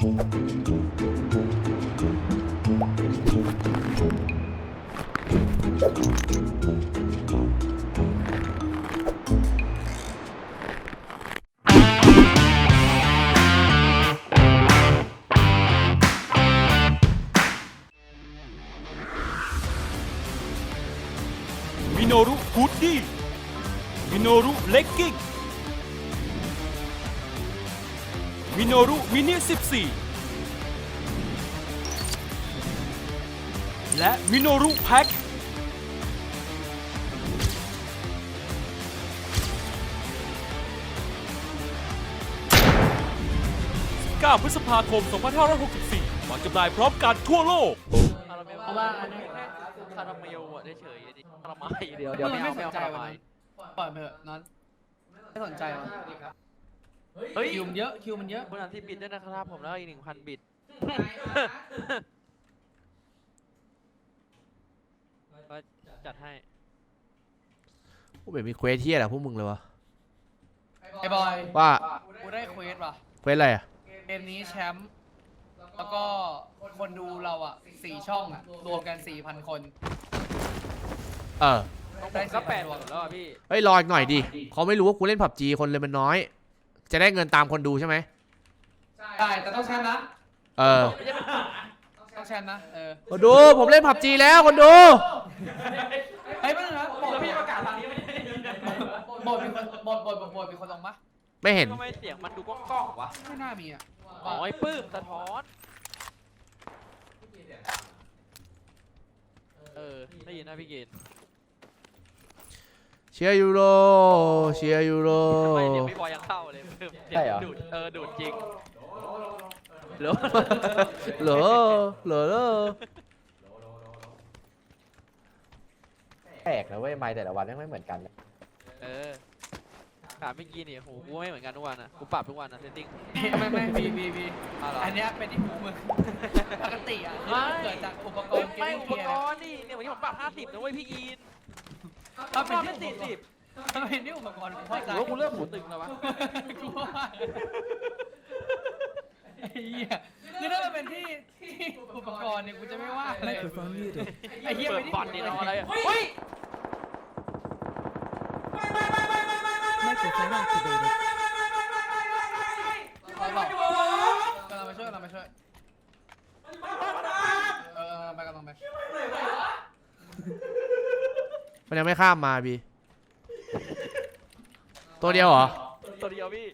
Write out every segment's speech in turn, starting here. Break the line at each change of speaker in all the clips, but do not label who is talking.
มิโนรุฮูดดี้มิโนรุเลกกิ้งมิโนรุมินิ14และมิโนรุแพ็ค9 พฤษภาคม 2564 วางจำหน่ายพร้อมกันทั่วโลก
เพราะว่าอันนี้แค่คาราเมลอะได้เฉยคาราไมเดี๋ยวไม่เอาคาราไม
ปล่อยไปเถอะนอนไม่สนใจวะ
เฮ้ย
คิวมันเยอะ
คุณอันที่บิดด้วยนะครับผมแล้วอีก 1,000 บิตก็จัดให้
กูแบบมีเควสเที่ยแหละพวกมึงเลยวะ
ไอ้บอย
ว่า
กูได้เควสว่ะ
เควสอะไรอ่ะ
เกมนี้แชมป์แล้วก็คนดูเราอ่ะ4 ช่องอ่ะรวมกัน 4,000 คน
ได้ก็8 คนแล้วพี่
เฮ้ยรออีกหน่อยดิเขาไม่รู้ว่ากูเล่นผับจีคนเลยมันน้อยจะได้เงินตามคนดูใช่ไหม
ใช่แต่ต้องแชมป์นะต้องแชมป์นะ
คนดูผมเล่นผับจีแล้วคนดู
เฮ้ยไม่ต้องนะบอกพี่ประกาศทางนี้ไม่ได้บทมีคนลงปะ
ไม่เห็น
ทำไมเสียงมันดูก้องๆวะ
ไม่น่ามีอ่ะ
อ๋อไอ้ปื้มสะท้อนได้ยินนะพี่เกณฑ์
เชียร์ยูโรเชียร์ยูโร
ไม่เดี๋ยวพี่บอยยังเข้าเลยใช่เหรอดูดจริงเหรอ
แปลกนะเว้ยไมค์แต่ละวันไม่เหมือนกัน
ถามเมื่อกี้นี่โหกูไม่เหมือนกันทุกวันนะกูปรับทุกวันนะเซตติ้ง
ไม่บีอันนี้เป็นที่หูมึงปกติอ่ะเกิดจากอุปกรณ์
ไม่อุปกรณ์นี่เนี่ยวันนี้ผมปรับ50นะเว้ยพี่กิน
ถ้าเป็นที่40ถ้าเป็นที่อุปกรณ์กูเข้าใจ
ว่ากูเริ่มหูตึงแล้ววะ
ไอ้เหี้ยคือถ้ามันเป็นที่อุปกรณ์เนี่ยกูจะไม่ว่าเลยไอ้เหี้ย
เปิดบอลนี่รออะไรเฮ้ย
Microphone activated กำลังมาช่วยไป
มันยังไม่ข้ามมาบีตัวเดียวเหรอ
ตัวเดียวพี่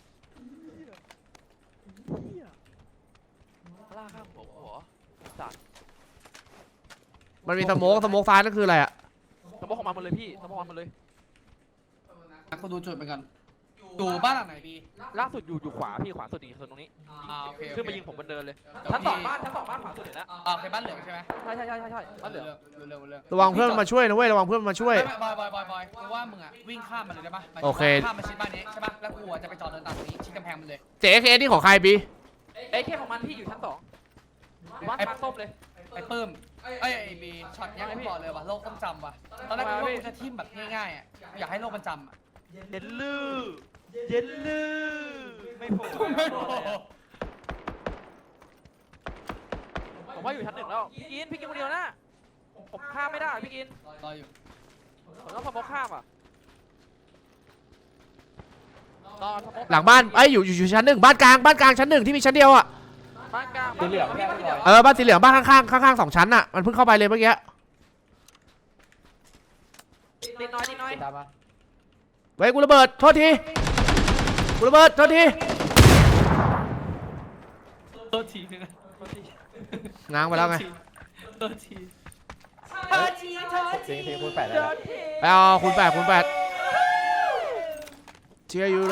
ล่าข้ามหัวสัตว์
มันมีสโมกซ้ายนั่นคืออะไรอะ
สโมกของมันเลยพี่สโมกของมันเลย
เขาดูจุดเหมือนกันอยู่บ้านหลังไหนพี่
ล่าสุดอยู่ขวาพี่ขวาสุดอีกส่วนตรงนี้
โอเค
ขึ้นมายิงผมบนเดินเลยชั้น2บ้านขวาสุดเลยนะ
โอเคบ้านเหลืองใช่ไหม
ใช่บ้านเหลือง
ระวังเพื่อนมาช่วยนะเว้ยระวังเพื่อนมาช่วย
บอยกูว่ามึงอ่ะวิ่งข้ามมันเลยได้ปะ
โอเค
ข้ามมาชิดบ้านนี้ใช่ปะแล้วกูจะไปจอดเดินตามตรงนี้ชิดกำแพงมันเลย
เจ๊เคนี่ของใครบี
เคของมันพี่อยู่ชั้น2บ้านส้มเลย
ไอ้ปื้มไอ้บีช็อตนี้กูบอกเลยว่ะโลกต้องจำว่ะตอนแรกกูว่ากูจะทิมแบบง่ายๆอ่ะอยากให้โลกมันจำอ่ะ
เย็นลือไม่โผล่ผมว่าอยู่ชั้น 1แล้วพี่กินคนเดียวนะผมข้ามไม่ได้พี่กิน
รออยู่
ผมต้องสมมติข้ามอ่ะ
หลังบ้านอยู่ชั้น 1บ้านกลางชั้น 1ที่มีชั้นเดียวอ่ะ
บ้านกลาง
สีเหลือง
บ้านสีเหลืองบ้านข้าง2 ชั้นอ่ะมันเพิ่งเข้าไปเลยเมื่อกี้
นิดน้อย
ไว้กูระเบิดโทษทีง้างไปแล้วไง
ทีคูณ 8แล้ว
ไปเอาคูณ 8เชียร์ยูโร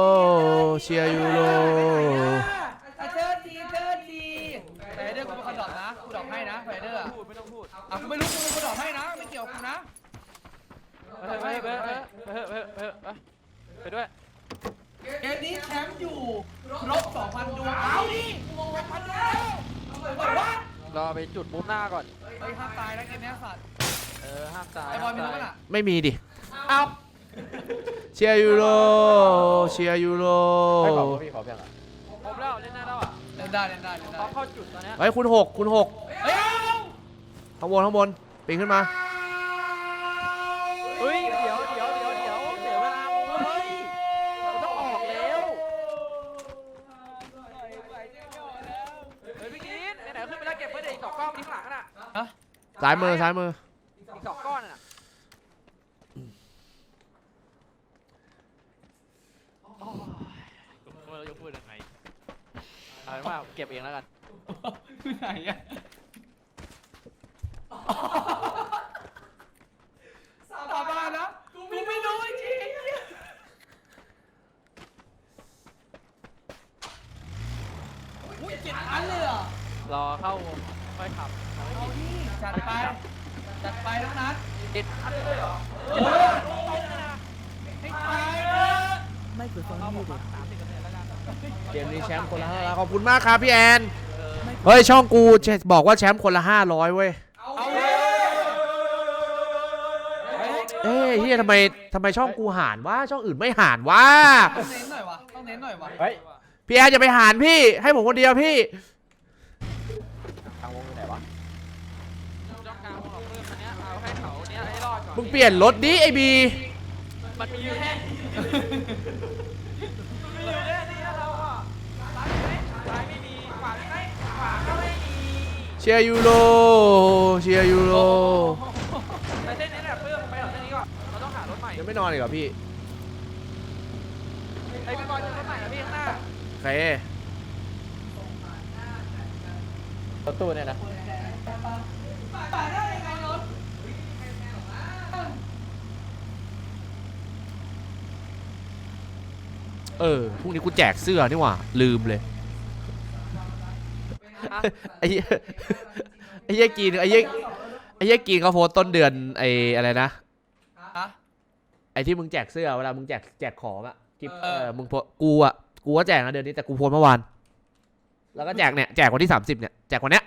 ไปเดอร์กูเป็นคนดอกนะกูดอกให้นะไปเดอร์
ไม่ต้องพูด
กูไม่รู้กูดอกให้นะไม่เกี่ยวกูนะ
ไปด้วย
เกมนี้แชมป์อยู่ลบ 2,000 ดวงเอาดิ1,000 ดวง
รอไปจุดมุมหน้าก่อน
ห้ามตายนะเกมนี้สัตว์
ห้ามตาย
ไอ้บอลมีรู้ป่ะน่ะ
ไม่มีดิ
เอา
เชียร์ยูโร
ให้ขอพี่ขอเพียงอ่ะ
ผมแล้วเล่นหน้าแล้วอ่ะ
ได้
พอเข้าจุดตอนเนี้ย
เฮ้ยคุณหก
เฮ้ย
ข้างบนปีนขึ้นมา
เฮ้ยเดี๋ยวเสียเวลาโมเฮ้ยเราต้องออกแล้วเฮ้ยพี่กินไหนๆขึ้นไปแล้วเก็บไว้เดี๋ยวอีก2ก้อนทิ้งหลังน่ะ
ฮะ
ซ้ายมือ
อีก2ก้อนน่ะเราจะพูดยังไงเอาเป็นว่าเก็บเองแล้วกัน
คือไหนอะสาบานนะกูไม่รู้จริงอุ้ย7 อันเลยเหรอ
รอเข้าค่อยขับ
เอาดิจัดไปทั้งนั้น
ติดอันเลยเหรอ
ให้ตายเลย
Microphone
เอาผม
muted.
30%แล้วกัน
เกมนี้แชมป์คนละ500ขอบคุณมากครับพี่แอนเฮ้ยช่องกูบอกว่าแชมป์คนละ500เว้ย
เอาเลย
เอ้ยเฮียทำไมช่องกูหารวะช่องอื่นไม่หารวะ
ต้องเน้นหน่อยวะ
เฮ้ย
พี่แอนอย่าไปหารพี่ให้ผมคนเดียวพี่
ทางวงอยู่ไหนวะ
ต้องการของเพิ่มอันเนี้ยเอาให้เขาเนี้ยให้รอดก่อน
มึงเปลี่ยนรถดิไอบี
มันมีอยู่แค่นี้เราอ่ะซ้ายไม่มีขวาไม่ขวาก็ไม่มี
เชียร์ยูโร
ไปเส้นนี้แหละเพิ่มไปเอาเส้นนี้ก่อนเราต้องหารถใหม่
ยังไม่นอนอีกเหรอพี่
ไอ้พี่บอลจะรถใหม่นะพี่ข้างหน้า
โอเค
รถตู้เนี่ยนะ
พรุ่งนี้กูแจกเสื้อนี่หว่าลืมเลยไอ้เหี้ยไอ้เหี้ยกีนไอ้เหี้ยกีนเขาโพสต์ต้นเดือนไอ้อะไรนะ
ฮะ
ไอ้ที่มึงแจกเสื้อเวลามึงแจกของอะกิฟ
มึ
มึงโพสกูก็แจกนะเดือนนี้แต่กูโพสต์เมื่อวานแล้วก็แจกวันที่30เนี่ยแจกวันเนี้ย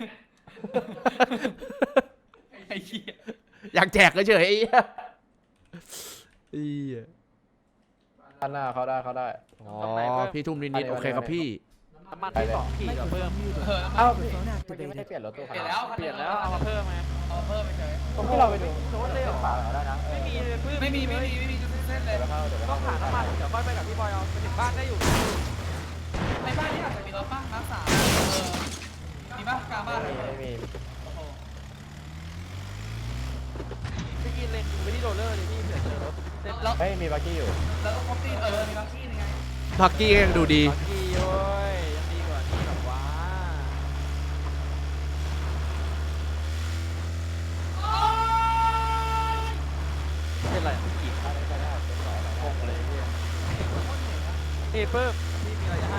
ไอ้เหี้ย
อยากแจกเฉยๆไอ้เหี้ยไอ้เหี้ย
ด้านหน้าเขาได้
อ๋อพี่ทุ่มนิดๆโอเคครับพี่
น้ำมันที่2ขีดกับเพิ่ม
เออ
เอ้า
Microphone
เมื่อกี้ไม่ได้
activated.
เปลี่ยนรถตู้
เปลี่ยนแล้ว
เปลี่ยนแล้วเอามาเพิ่มไหม
เอาเพิ่มไปเฉย
ผมที่เราไปดู
โชว์เลยเหรอ
ฝาเราได้นะ
ไม่มีเลยเพิ่ม
ไม่มีจะเส้นเลย
เดี๋ยวเข้า
ต้องหาน้ำมันเดี๋ยวค่อยไปกับพี่บอยเอาไปถึงบ้านได้อยู่
ในบ้านนี่อาจจะมีรถบ้างน้ำสามมีบ้างกลางบ้านเลย
ไม่มี
โอ้โห
พี่กินเลนไปที่โรลเลอร์เลยพี่เผื่อเจอรถเส้นล็อก
เฮ้ยมีบักกี้อยู่
แล้วก็ครบตีมีบางที่ยังไง
พักกี้ก็ยังดูดี
กี้โอ้ยยังดีกว่านี่หรอวะเป็นไรพี่กินงงเลยพี่นี่เพิ่มพี่มีอะไรจะให้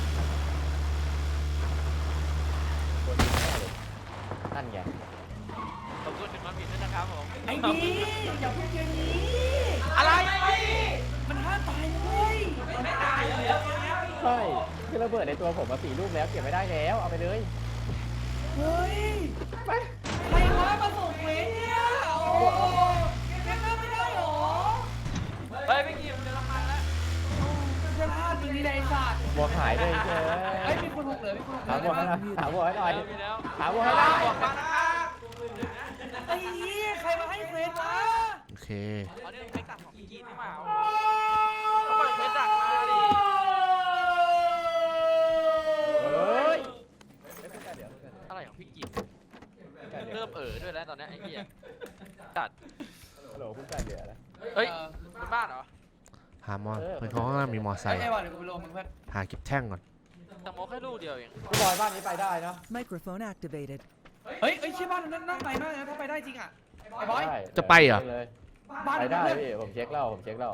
นั่นไง
ขอบคุณถึงมาผิดด้วยนะครับผม
ไอ้นี่อย่าพูดอย่างนี้
อะไร
มันห้ามตายเลย
ไม่ตายเลย
ใช่คือระเบิดในตัวผมมา4 ลูกแล้วเก็บไม่ได้แล้วเอาไปเลย
เฮ้ยใครวะมาส่งเวรเนี่ยโอ้โหแกฆ่าไม่ได้หรอ
เฮ้ยพี่กินเจอน้ำมันแล้ว
จะพลาดจริงนี่ในสัตว์
บวกหายเลยเจ้
เฮ้ยมีคนหกเหลือมีคนหกเห
หา
ลื
บวกให้หน่อยหาบวกให้หน่อย
มีแล้ว
หาบวกให้หน่อย
บอกมานะครับ
ไอ้นี่ใครมาให้เควสวะ
โอเค
อ๋อนี่เป็นตัดของพี่กินนี่หว่าเปิดเพชรดักมาดิ
เฮ้ย
อะไรของพี่กินเริ่มด้วยแล้วตอนนี้ไอ้เหี้ยจัด
ฮัลโหลคุณแปดเหลือนะ
เฮ้ยเป็นบ้านเหรอ
หามอเพื่อนเขาข้างล่างมีมอไซค์
ไอ้วันเดี๋ยวกูไปลงมึงเพื่อน
หาเก็บแท่งก่อน
แต่โมแค่ลูกเดียวเอง
พี่บอยบ้านนี้ไปได้เนาะ
Microphone activated.
เฮ้ยใช่บ้านนั้นนั่งไปมากนะถ้าไปได้จริงอ่ะไอ้บอย
ได้
จะไปเหรอ
เลย
บ้าน
ไป
นั้น
ได้
เพื่อน
พี่ผมเช็คแล้ว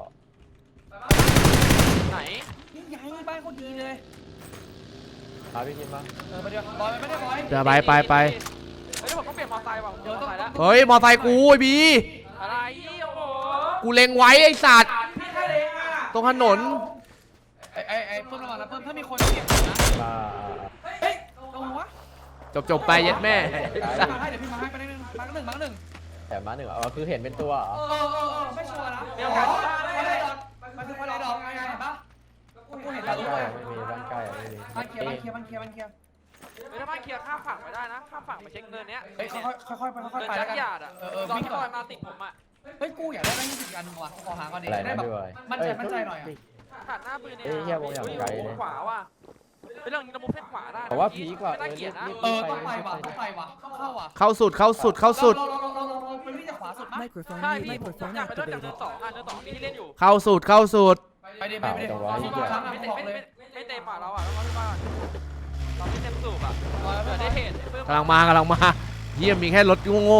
ไหน
นี่ไงบ้านคนดีเลย
พาพี่กินมา
ไปเดี๋ยวบอยไม่ได้บอย
เดี๋ยวไป
เฮ้ยผมต้องเปลี่ยนมอไซค์ว่ะผมเจอมอไซค์แล้ว
เฮ้ยมอไซค์กูไอ้บี
อะไรโอ้โห
กูเล็งไว้ไอ้สัตว์
พี่แค่เล็กอ่ะ
ตรงถนน
ไอ้เพิ่มระวังนะเพิ่มถ้ามีคนเก็บนะ
มา
เฮ้ยตรงหัว
จบไปเย็ดแม่
พี่มาให้เดี๋ยวพี่มาให้ไปหนึ่งมาหนึ่ง
แต่มาหนึ่งคือเห็นเป็นตัวเหรอ
ไม่ชัวร์นะ
เดี๋ยวกันบ้าน
ไม่
ได้
ได้
เลย
ดอกมันคือคนละดอกไงเห็นปะกูเห็น
บ้า
แล้
น
ว
ใกล้ไม่มีบ้านใกล้ไม่มี
บ้านเคลียร์
เฮ้ยถ้าบ้านเคลียร์ข้ามฝั่งไปได้นะข้ามฝั่งไปเช็คเนินเนี้ย
เฮ้ยค่อยๆไปค่อย
เนิ
ๆ
น
ไป
จั
แล้ว
ก
กัน
รยานอ่ะ
รอ
ที่
พี่
บ
ก่
อ
อย น
มาติดผมอ่ะ
เฮ้ยกูอยากได้แบงค์20อันนึงว่ะขอหาก่อนดิ
อะไร
ได้
นะ
แบบ
พี่บอย
มั่นใจหน่อยอ่ะ
ขาดหน้าปืนเนี่ย
เอ้ยเหี้ยวงอย่างไกลเลย
ขวาว่ะเป็นเรื่องนี้เรามุมเส้นขวาได้
แต่ว่าพีคว่ะ
ไม่น่าเกลียดนะ
ต้องไปว่ะต้องเข้าว่ะ
เข้าสุดเข้าสุดเข้าสุด
เราไปวิ่งจากขวาสุดมั้ย
Microphone
ใช่
muted.
พี่ผม
Microphone
อยากไปเล่นจากเนิน
activated.
สองอ่ะเนินสองมีที่เล่นอยู่
เข้าสุดเข้าสุด
ไปดิพี่ครั้งอ่ะ
ไม่
บอกเลย
ไม่เตะป่าเราอ่ะแล้วก็พี่บ้านเราไม่เต็มสูบอ่ะเกิดได้เหตุ
กำลังมากำลังมาเยี่ยมมีแค่รถโง่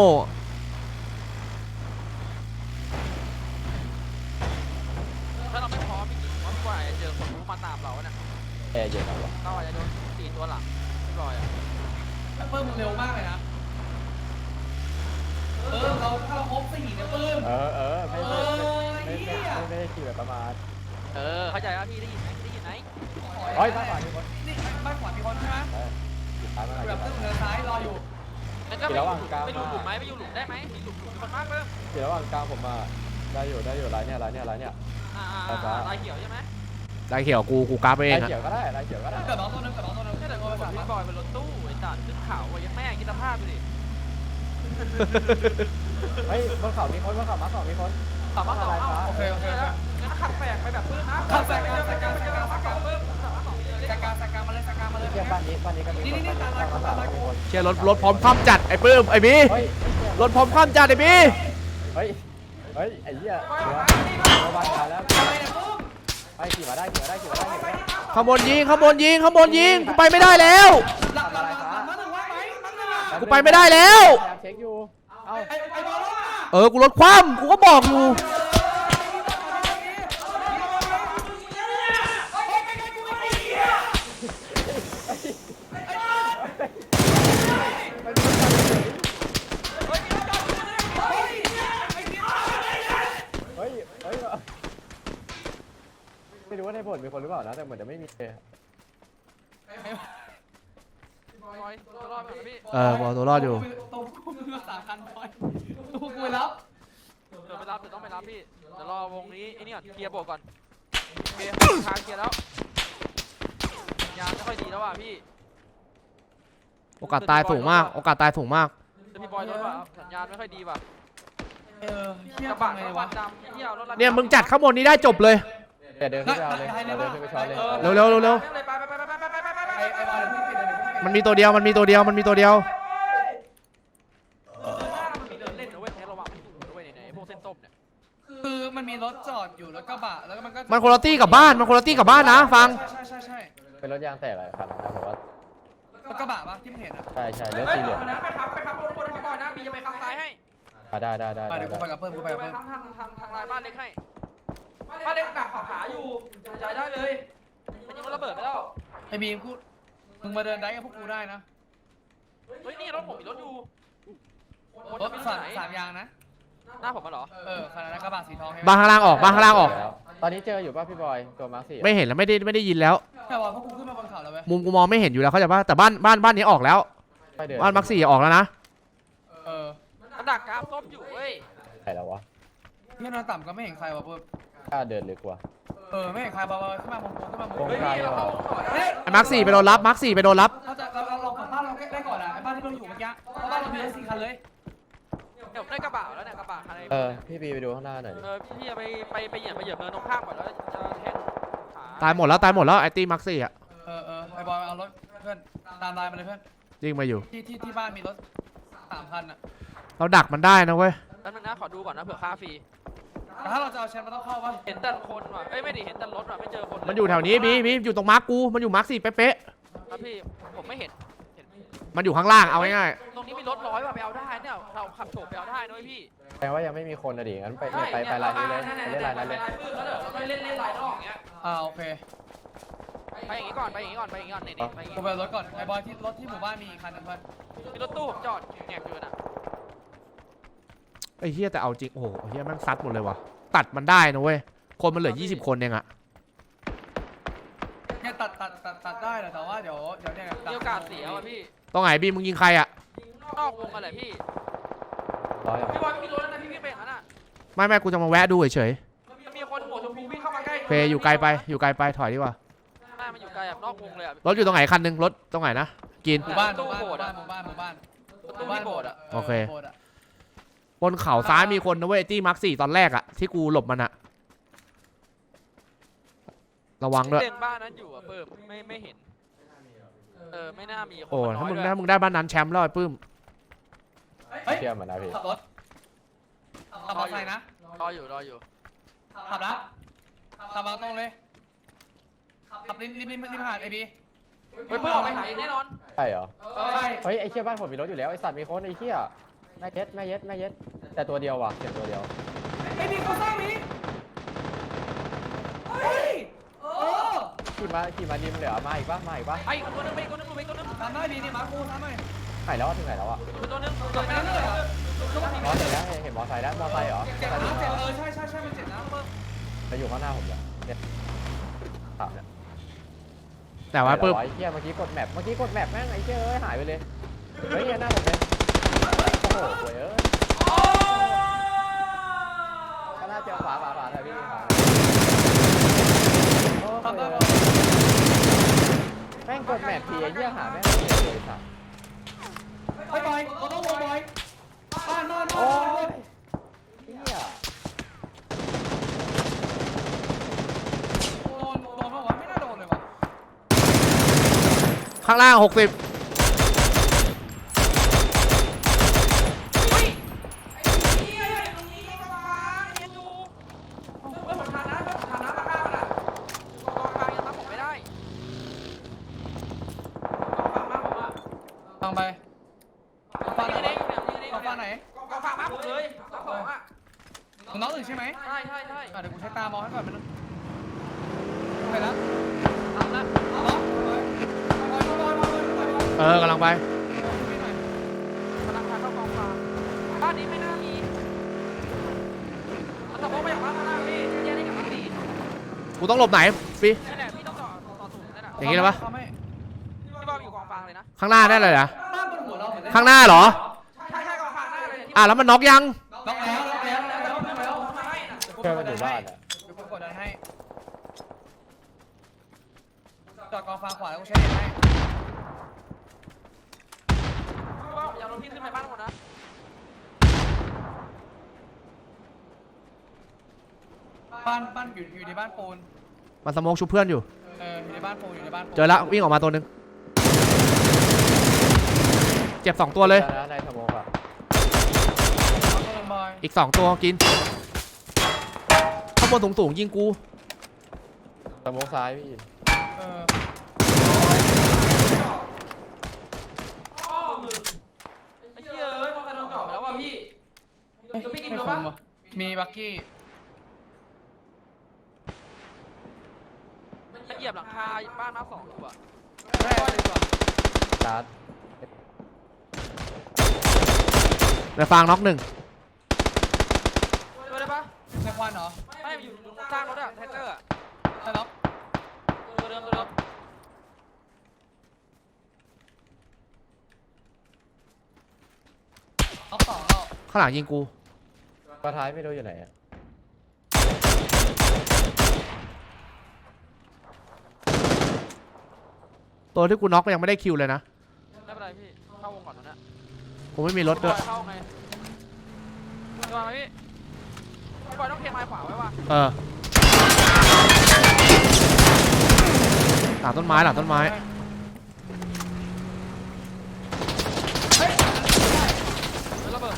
ถ้าเราไม่พร้อมพี่กิ๊กว่าพี่บอยเจอคนรู้มาตามเราเนี่ย
แอร์เย็นเอาวะ
เราอาจจะโดนตีตัวหลังพี่บอยอ่ะ
ปื้มเร็วมากเลยนะเราถ้าเราครบ4เนี่ยปื้ม
ไม่ได้ขี่แบบประมาท
เข้าใจว่าพี่ได้ยินไหมได้ยินไหม
เฮ้ยบ้านขวามีคน
นี่บ้านขวามีคนใช่ไหม
ติดตามมาหน่อย
แบบเดินซ้ายรออยู่
แล้วก็ไปอยู่หลุมไหมไปอยู่หลุมได้ไหมมีหลุมคนมากเลย
เดี๋ยวระหว่างกลางผมมาได้อยู่ร้านเนี่ยลายเขียวใช่ไหม
ๆได้เขียวกูกราฟเอง
ลาย
อะ
เขียวก็ได้ลายเขียวก็ได้
เกิดน้องตัวนึง
แค่แต่คนพี่บอยเป็นรถตู้ไอ้ตัดขึ้นเขาไอ้ยังแม่คิดสภาพไปดิ
เฮ้ยบนเขามีคนบนเขามาสองมีคน
ขับมาสอง
โอเค
แล้วงั้นขับแฝงไปแบบปื้มนะ
ขับแฝงไปเลย
ขับปื้มขับมาสองเลย
สกามาเลย
เทียบบ้านนี้ก็มีคน
เชียร์รถพร้อมคว่ำจัดไอ้ปื้มไอ้บี
เฮ้ย
รถพร้อมคว่ำจัดไอ้บี
เฮ้ยไอ้เหี้ยเดี๋ยวบ้านมาแล้วไปขี่มาได้
ข้างบนยิงกูไปไม่ได้แล้ว
หลังมาถึงว่าไหมมันน่ะ
กูไปไม่ได้แล้ว
พยายามเช็คอยู่เอ้า
ไอ้บอลอ่ะ
กูรถคว่ำกูก็บอกอยู่
เฮ้ยไม่รู้ว่าในผลมีคนหรือเปล่านะแต่เหมือนจะไม่มี
บอยตัวรอดก่อนนะพี่
บอกตัวรอดอยู่
ตรงกูมือสาคันบอยตัวกูแล้ว
เดี๋ยวไปรับเดี๋ยวต้องไปรับพี่เดี๋ยวรอวงนี้ไอ้นี่ก่อนเคลียร์โบกก่อนโอเคทางเคลียร์แล้วยางไม่ค่อยดีแล้วว่ะพี่
โอกาสตายสูงมากเ
ดี๋ยวพี่บอยรถว่ะสัญญาณไม่ค่อยดีว่ะ
เที่ย
กระ
บั
บะ
งไง
รถ
วะ
ดำที่เอารถ
เนี่ยมึงจัดข้างบนนี้ได้จบเลย
เดินขึ้นไปเอาเลยเดินขึ้นไปช้อนเลย
เร็ว
ไป
ไอ้บอลเดี๋ยวพี่ปิดเลย
มันมีตัวเดียว
มันมีเดินเล่นนะเว้ยแค่ระวังไม่ถูกนะเว้ยในพวกเส้นต้มเนี่ย
คือมันมีรถจอดอยู่แล้วก็บะแล้วก็มันก็
มันคนละตี้กับบ้านนะฟัง
ใช่
เป็นรถยางแตกอะไรครับนะผมว่า
แล้วก็บะปะที่เห็นอ่ะ
ใช่เลือดสีเหลือง
ไปครับคนที่บอยนะมีจะไปข้างซ้ายให้
ได้
เดี๋ยวกูไปกับเพิ่ม
ไปทางลายบ้านเล็กให้บ้านเล็กดักขวาขาอยู่จ่ายได้เลยมันยังระเบิดไปแล้ว
ไอ้บีมกูมึงมาเดินได้กับพวกกูได้นะ
เฮ้ยนี่รถผมมีรถอยู่
รถสามยางนะ
หน้าผมมาเหรอ
ขนาดนั้นกระบะสีทอง
บ้านข้างล่างออก
ตอนนี้เจออยู่ป่ะพี่บอยตัวมาร์คสี่
ไม่เห็นแล้วไม่ได้ยินแล้ว
แต่ว่าพวกกูขึ้นมาบนเขาแล้วเว้ย
มุมกูมองไม่เห็นอยู่แล้วเขาใจป่ะแต่บ้านนี้ออกแล้วบ้านมักซี่ออกแล้วนะ
มันดักกราฟส้มอยู่เว้ย
ใครแล้ววะ
พี่นอนต่ำก็ไม่เห็นใครวะเพิ่ม
กล้าเดินลึกกว่า
ไม่เห็นใครบอลขึ้นมาบนขึ้นมาบน
เฮ้ยนี่เราเข้าต่อได้
ไอ้มักซี่ไปโดนรับ
ถ้าจะเราลองกับบ้านเราได้ก่อนอ่ะไอ้บ้านที่เราอยู่เมื่อกี้เพราะบ้านเรามีรถ4 คันเลย
เดี๋ยวได้กระบะแล้วเนี่ยกระบะคันไหน
พี่บีไปดูข้างหน้าหน่อยดิ
พี่จะไปเหยียบเนินตรงข้ามก่อนแล้วจะแทงขา
ตายหมดแล้วไอ้ตี้มักซี่อ่ะ
ไอ้บอลเอารถเพื่อนตามลายมาเลยเพื่อน
ยิงมาอยู่
ที่บ้านมีรถ3 คันอ่ะ
เราดักมันได้นะเว้ย
แล้วนึงนะขอดูก่อนนะเผื่อค่าฟรี
แต่ถ้าเราจะเอาแชมป์มันต้องเข้าป่ะ
เห็นแต่คนว่ะเอ้ยไม่ดิเห็นแต่รถว่ะไม่เจอคน
มันอยู่แถวนี้บีอยู่ตรงมาร์กกูมันอยู่มาร์กซี่เป๊ะ
ครับพี่ผมไม่เห็น
มันอยู่ข้างล่างเอาง่าย
ตรงนี้มีรถ100ว่ะไปเอาได้เนี่ยเราขับโฉบไปเอาได้นะพี่
แปลว่ายังไม่มีคนนะดิงั้นไปลายนี้เลยไปเล่นลายนั้นเลย
แล้วเดี๋ยวเราไปเล่นลายนอกอย่างเงี้ย
โอเค
ไปอย่างงี้ก่อนนี่ไปอย่างงี้
กูไปรถก่อนไอ้บอลที่รถที่หมู่บ้านมีอีกคันนึงเพื่อน
มีรถตู้ผมจอดแงบอยู่น่ะ
ๆไอ้เฮียแต่เอาจริงโอ้โหเฮียแม่งซัดหมดเลยว่ะตัดมันได้นะเว้ยคนมันเหลือ20 คนเองอะ
เนี่ยตัดได้แต่ว่าเดี๋ยวเนี่ย
มีโอกาสเสียว่ะพี่
ตรงไหนบีมึงยิงใครอะ
นอกวงอะไรพี่
ร้อย
พี่บอยไม่มีรถแล้วนะพี่วิ่งไปอย่างนั้นอ่ะ
ไม่กูจะมาแวะดูเฉย
มันมีคนหัวชมพูวิ่งเข้ามาใกล้
ๆเฟยอยู่ไกลไปถอยดีกว่า
มันอยู่ไกลแบบนอกวงเลยอ่ะ
รถอยู่ตรงไหนคันนึงรถตรงไหนนะกิน
หมู่บ้าน
ตู้โบสถ์อะ
หมู่บ้าน
ตู้ที่โบสถ์อะ
โอเค
โบสถ์อะ
บนเขาซ้ายมีคนนะเว้ยตี้มาร์ค4ตอนแรกอะที่กูหลบมันอะระวังด้วย
เล็งบ้านนั้นอยู่อะเพิ่มไม่เห็นไม่น่ามีคน
โอ้
น้
ถ้า
อย
มึง
ด้วย
ได้บ้านนั้นแชมป์แล้วไอ้ปื้ม
เฮ้ย
เชื่อมันนะพี่
ขับรถขับมอเตอร์ไซค์นะ
รออยู่
ขับละขับมาตรงเลยขับริมหาดไอบี
เฮ้ยเพิ่งออกไปหาเองแน่นอน
ใช่เหรอ
ใช่
เฮ้ยไอ้เชี่ยบ้านผมมีรถอยู่แล้วไอ้สัตว์มีคนไอ้เชี่ยแม่เย็ดแต่ตัวเดียวว่ะเสียงตัวเดียว
ไอบีเขาสร้างนี้เฮ้ย
ขี่มาดิมเลยเหรอมาอีกปะ
ไอ้คนนึงไปคนนึงไปคนนึง
ทำได้ดีนี่มากูทำได้
ไหนแล้วถึงไหนแล้วอ่ะ
ตัวนึง
เจ็บนะเลยเหรอ
อ๋อเห็นแล้วเห็นมอไซค์แล้วมอไซค์เหรอ
เจ็บนะเจ็บใช่มันเจ็บนะเพิ่ม
จะอยู่ข้างหน้าผมเนี่ยถามเนี่ย
แต่ว่าปื้ม
ไอ้เชี่ยเมื่อกี้กดแมปแม่งไอ้เชี่ยเอ้ยหายไปเลยเฮ้ยหน้าผมเลยโอ้โหเว้ยก็น่าเจอขวาเลยพี่ขวาแม่งกดแมปทีไอ้เชี่ยหาแม่งไม่เจอเลยสัตว์
ไปบอยเราต้องวงบอยบ้าน
โอ้ยเชี่ย
โดนปะวะไม่น่าโดนเลยวะ
ข้างล่าง60
ฟังไปฟังไหนฟังไหนน้องอื่นใช่ไหม
ใช่
เดี๋ยวกูใช้ตามองให้ก่อนมันไปแล้ว
ทำแล้ว
กำลังไป
กำลังพาเข้ากองฟางบ้านนี้ไม่น่ามีมันตะโกนมาจากบ้านข้างล่างพี่แยกได้กับบ้านสี่
กูต้องหลบไหนปี
นี่แหละพี่ต้องต่อสูงนั่นแหละ
อย่างนี้เลยปะ
พี่บอลอยู่กองฟางเลยนะ
ข้างหน้าได้เลยเหรอ
บ้านบนหัวเราเหมือน
ข้างหน้าเหรอ
ใช่กองฟางหน้าเลย
แล้วมันน็อกยัง
ล็อกแล้ว
เชื่อมันอยู่บ้านอ่ะ
เดี๋ยวกูกดดันให้จอดกองฟางขวาแล้วกูใช้เน็ตให้
พี่บอลอย่าโดนพี่ขึ้นไปบ้านหมดนะ
บ้านอยู่ในบ้านปูน
มันสโมกชุบเพื่อนอยู่
อยู่ในบ้านปูนอยู่ในบ้านปูน
เจอแล้ววิ่งออกมาตัวหนึงเจ็บ2ตัวเลย
ในสโมกอ่ะ
อีก2ตัวกินข้างบนสูงยิงกู
สโมกซ้ายพี่
ไอ้เหี้ยมองกันโดนเก่าไปแล้วว่ะพี่จะพี่กิน
ไม่
รู้
ค
ปะ
มว่ะมีบักกี้
มันเหยียบหลังคาบ้านมา2อยู่อะ
แม่เลยว่ะ
ชาร์จ
ในฟางน็อก1
ช่วยได้ปะ
ในควันเหรอ
ไม่อยู่ข้างรถอะแท็กเตอร์อะ
ใช่ล็อก
ตัวเดิม
ล็อกสองแล้ว
ข้างหลังยิงกู
ตัวท้ายไม่รู้อยู่ไหนอ่ะ
ตัวที่กูน็อกก็ยังไม่ได้คิวเลยนะ
ไม่เป็นไรพี่เข้าวงก่อนตรงนี้
กูไม่มีรถด้วย
เข้าไงจะมาไหมพี่พี่บอยต้องเพียงไม้ขวาไว้ว่ะ
หลังต้นไม้
ระเบิด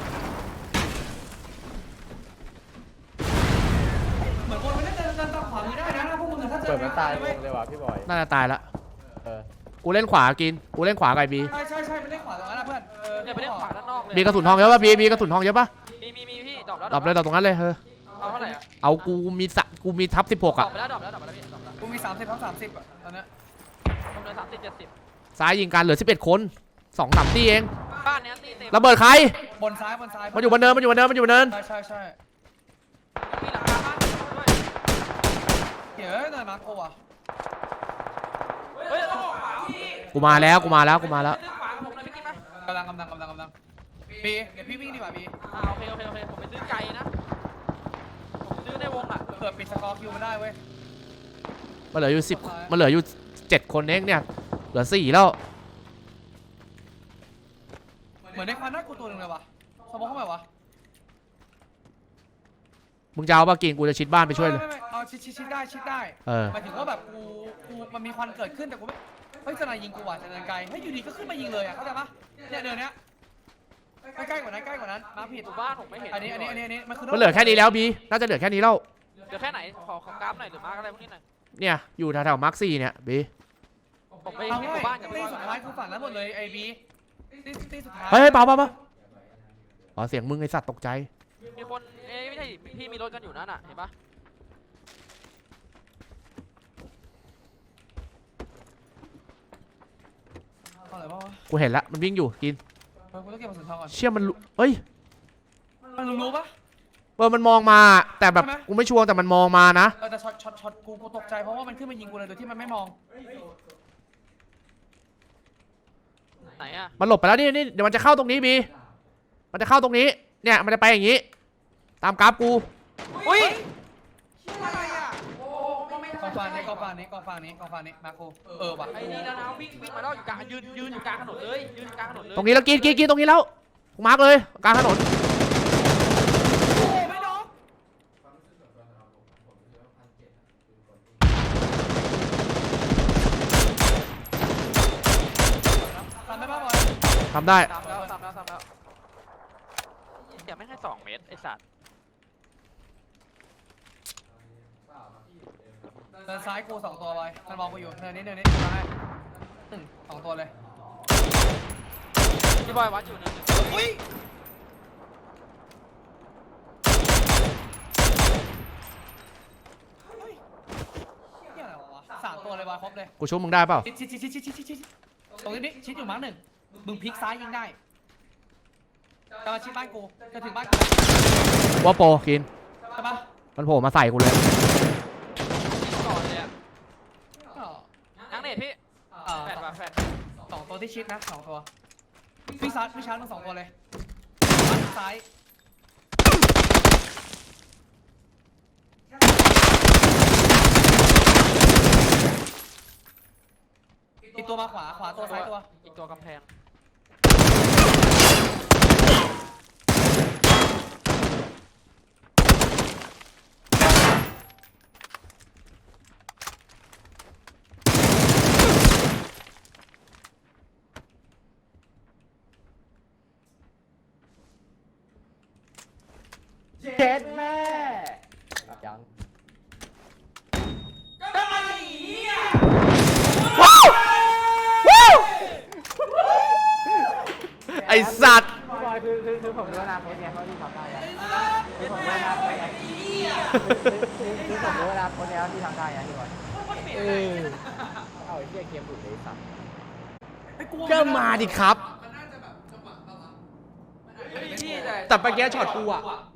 เหมือนคนไม่ได้เดินตามขวามือได้นะพวกมึงถ้าเจอ
เปิดมันตายวงเลยว่ะพี่บอย
น่าจะตายละ
เออ
กูเล่นขวากินกูเล่นขวาไก่บี
ใช่ไม่ได้ขวาตรงนั้นนะเพื่อน
เนี่ยไปเล่นขวาด้านนอกเลย
มีกระสุนทองเยอะป่ะบีกระสุนทองเยอะป่ะ
มีพี่ดรอปแล้ว
ดรอปเลยดรอปตรงนั้นเลย
เอาเท่าไหร่อะ
เอากูมีทับ16
ดรอ
อ่ะ
ปไปแล้วพี่ดรอปพี่
กูมี30ทั้ง30อ่ะตอนนี้
ผมเหลือ30 70
ซ้ายยิงกันเหลือ11 คน2-3ตีเอง
บ้านเนี้ยตีเต็ม
ระเบิดใคร
บนซ้าย
มันอยู่บนเนิน
ใช่
มีหลังคาบ้านด้วย
เดี๋ยวเดินมาโกว่ะ
เฮ้ยต้องออกขวาพี่
กูมาแล้ว
ขึ้นขวากับผมเลยพี่กิ๊กไหม
กำลังบีเดี๋ยวพี่วิ่งดีกว่าบี
โอเคผมไปซื้อไก่นะผมซื้อในวงอะ
เผื่อปิดสกอร์คิวมันได้เว้ย
มันเหลืออยู่10มันเหลืออยู่7 คนเองเนี่ยเหลือ4แล้ว
เหมือนในควันหน้ากูตัวหนึ่งเลยวะสมองเข้าไปวะ
มึงจะเอาปะกินกูจะชิดบ้านไปช่วยเลย
ไม่เอาชิดได้
เออ
หมายถึงว่าแบบกูมันมีควันเกิดขึ้นแต่กูไม่เฮ้ยสนายยิงกูว่ะจะเดินไกลให้ยอยู่ดีก็ขึ้นมายิงเลยอ่ะเข้าใจปะเนี่ยเดินเนี้ยใกล้กว่านั้นมาผิด
หมู่บ้านผมไม่เห็น
อันนี้มันคือ
มันเหลือแค่นี้แล้วบีน่าจะเหลือแค่นี้แล้ว
เดี๋ยวแค่ไหนขอกราฟหน่อยหรือมาร์กอะไรพวกนี้หน่อย
เนี่ยอยู่แถวๆมาร์ค4เนี่ยบี
ผมไป
เอา
เห็นห
ง่าย
มู่บ้านกับ
ตีสุดท้ายคือฝั่งนั้นหมดเลยไอ้บีตีสุดท้าย
เฮ้ยเปล่าอ๋อเสียงมึงไอสัตว์ตกใจ
มีคนไม่ใช่พี่มีรถกันอยู่นั่นน่ะเห็นปะ
เอาอะไรบ้างวะ
กูเห็นละมันวิ่งอยู่กิน
กูต้องเก็บกระสุนทองก่อน
เชี่ยมันเอ้ย
มันรู้ปะ
มันมองมาแต่แบบ
ใช่ไหม
กูไม่ชัวร์แต่มันมองมานะ
แต่ช็อตกูตกใจเพราะว่ามันขึ้นมายิงกูเลยโดยที่มันไม่มอง
ไหนอะ
มันหลบไปแล้วนี่เดี๋ยวมันจะเข้าตรงนี้บีมันจะเข้าตรงนี้เนี่ยมันจะไปอย่างนี้ ตามกราฟกู
อุ้ย
กองฟางนี้มาโคว่ะ
ไอ้นี่แล้วนะวิ่งมาแล้วอยู่กลางยืนอยู่กลางถนนเลยยืนอยู่กลางถนนเลย
ตรงนี้แล้วกินตรงนี้แล้วกูมาร์กเลยกลางถนน
โอ้ไม่น้องทำได้ป่ะบอย
ทำได้
ทำแล้วเดี๋ยวไม่ให้2 เมตรไอ้สัตว์
เดินซ้ายกู2 ตัวบอยมันมองกูอยู่เนินนี้มาให้2 ตัวเลย
พี่บอยวัดอยู่นึง
อุ้ยเหี้ยอะไรวะ3 ตัวเลยบอยครบเลย
กูชุบมึงได้เปล่า
ชิดตรงนี้ชิดอยู่มั้ง1มึงพลิกซ้ายยิงได้จะมาชิดบ้านกูจะถึงบ้านกู
ว่าโปรกิน
ใช่ปะ
มันโผล่มาใส่กูเลย
ก่อนเลยอะ
ก็
นังเน็ตพี่แฟดว่ะแฟด
2 ตัวที่ชิดนะ2 ตัวพี่ชาร์จมึง2 ตัวเลยซ้ายอีกตัวมาขวาตัวซ้ายตัว
อีกตัวกำแพง
เจ็ดแม่ยัง
ไอสัตว์
พี่บอยคือผมรู้อนาคตไงเขาที่ทำได้ไงคือผมรู้อนาคตไงคือผมรู้อนาคตแล้วที่ทำได้ไงพี่บอยเอาไอ้เหี้ยเกมหลุดเลยสัตว์
ก็มาดิครับ
พี่
แต่เมื่อกี้ช็อตกูอะ